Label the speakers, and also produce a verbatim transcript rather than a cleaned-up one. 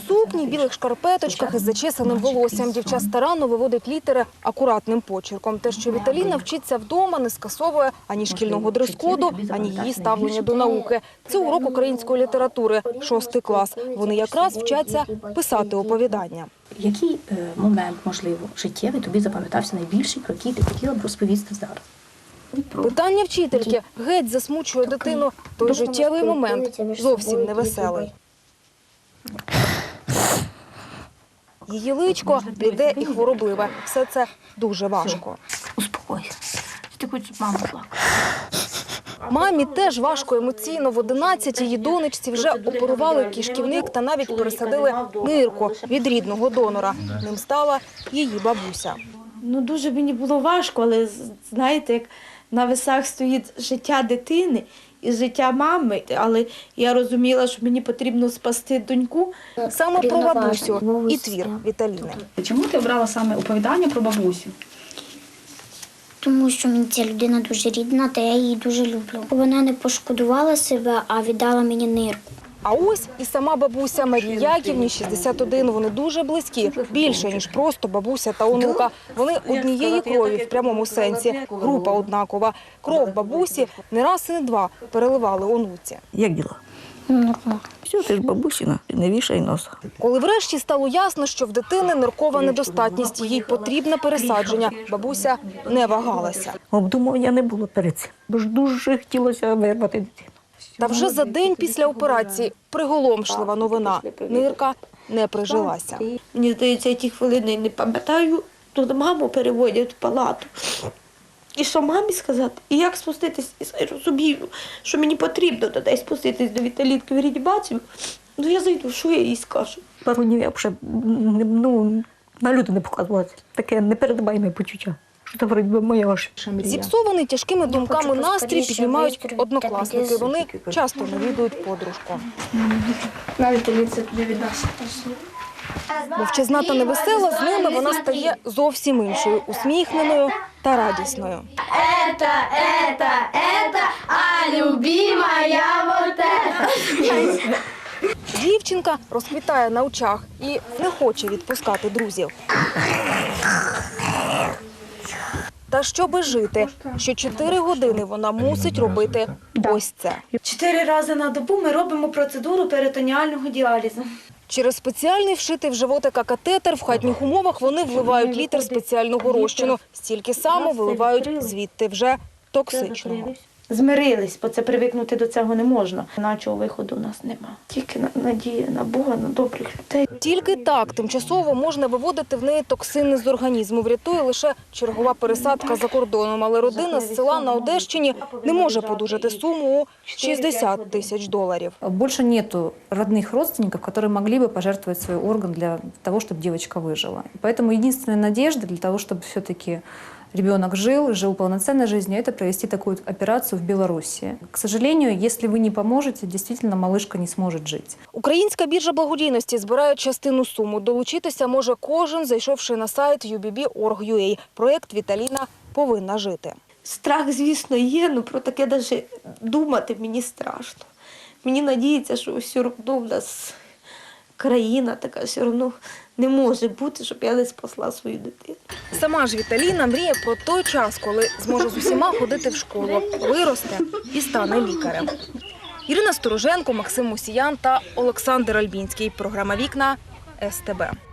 Speaker 1: сукні, білих шкарпеточках із зачесаним волоссям. Дівча старанно виводить літери акуратним почерком. Те, що Віталіна вчиться вдома, не скасовує ані шкільного дрес-коду, ані її ставлення до науки. Це урок української літератури, шостий клас. Вони якраз вчаться писати оповідання.
Speaker 2: Який е, момент, можливо, життєвий тобі запам'ятався найбільше, про який ти хотіла б розповісти зараз?
Speaker 1: Питання вчительки геть засмучує дитину. Той життєвий момент зовсім невеселий. Її личко бліде і хворобливе. Все це дуже важко.
Speaker 2: Успокойся. Ти хочеш, щоб мама плакала.
Speaker 1: Мамі теж важко емоційно. В одинадцять її донечці вже оперували кишківник та навіть пересадили нирку від рідного донора. Ним стала її бабуся.
Speaker 3: Ну, дуже мені було важко, але, знаєте, як на весах стоїть життя дитини і життя мами. Але я розуміла, що мені потрібно спасти доньку.
Speaker 1: Саме про бабусю і твір Віталіни.
Speaker 2: Чому ти обрала саме оповідання про бабусю?
Speaker 4: Тому що мені ця людина дуже рідна, та я її дуже люблю. Вона не пошкодувала себе, а віддала мені нирку.
Speaker 1: А ось і сама бабуся Марії Яківні, шістдесят один. Вони дуже близькі, більше, ніж просто бабуся та онука. Вони однієї крові в прямому сенсі, група однакова. Кров бабусі не раз і не два переливали онуці.
Speaker 5: Як діла?
Speaker 4: Нормально.
Speaker 5: Все, ти ж бабусіна, не вішай носа.
Speaker 1: Коли врешті стало ясно, що в дитини ниркова недостатність, їй потрібне пересадження, бабуся не вагалася.
Speaker 5: Обдумування не було перед цим, бо ж дуже хотілося вирвати дитину.
Speaker 1: Та вже за день після операції приголомшлива новина. Нирка не прижилася.
Speaker 3: Мені здається, я ті хвилини не пам'ятаю, то маму переводять в палату. І що мамі сказати? І як спуститись? І розумію, що мені потрібно десь спуститись до Віталінки в реанімацію. Ну я зайду, що я їй скажу?
Speaker 5: Пару днів я вже ну, на люди не показувалася. Таке непередбаєме почуття. Що це, вроді би, моя ваша мрія.
Speaker 1: Зіпсований тяжкими думками настрій піднімають однокласники. Вони часто навідують подружку.
Speaker 2: Навіть Віталіця тобі від нас.
Speaker 1: Мовчазна та невесела, з ними вона стає зовсім іншою, усміхненою та радісною.
Speaker 6: Это, это, это, а любимая вот это.
Speaker 1: Дівчинка розквітає на очах і не хоче відпускати друзів. Та щоби жити, що чотири години вона мусить робити ось це.
Speaker 3: Чотири рази на добу ми робимо процедуру перитоніального діалізу.
Speaker 1: Через спеціальний вшитий в животика катетер в хатніх умовах вони вливають літр спеціального розчину. Стільки само виливають звідти вже токсичного.
Speaker 3: Змирились, бо це привикнути до цього не можна. Іначого виходу у нас нема. Тільки надія на Бога, на добрих людей.
Speaker 1: Тільки так тимчасово можна виводити в неї токсини з організму. Врятує лише чергова пересадка за кордоном. Але родина з села на Одещині не може подужати суму у шістдесят тисяч доларів.
Speaker 7: Больше нету родных родственников, которые могли бы пожертвовать свой орган для того, чтобы девочка выжила. Поэтому единственная надежда для того, чтобы все-таки ребенок жил, жил полноценной жизнью, это провести такую операцию в Беларуси. К сожалению, если вы не поможете, действительно малышка не сможет жить.
Speaker 1: Українська біржа благодійності збирає частину суму. Долучитися може кожен, зайшовши на сайт ю бі бі крапка орг крапка ю а. Проєкт «Віталіна повинна жити».
Speaker 3: Страх, звісно, є, але про таке навіть думати мені страшно. Мені надіється, що все одно в нас країна така, все одно не може бути, щоб я не спасла свою дитину.
Speaker 1: Сама ж Віталіна мріє про той час, коли зможе з усіма ходити в школу, виросте і стане лікарем. Ірина Стороженко, Максим Мусіян та Олександр Альбінський. Програма «Вікна» ес те бе.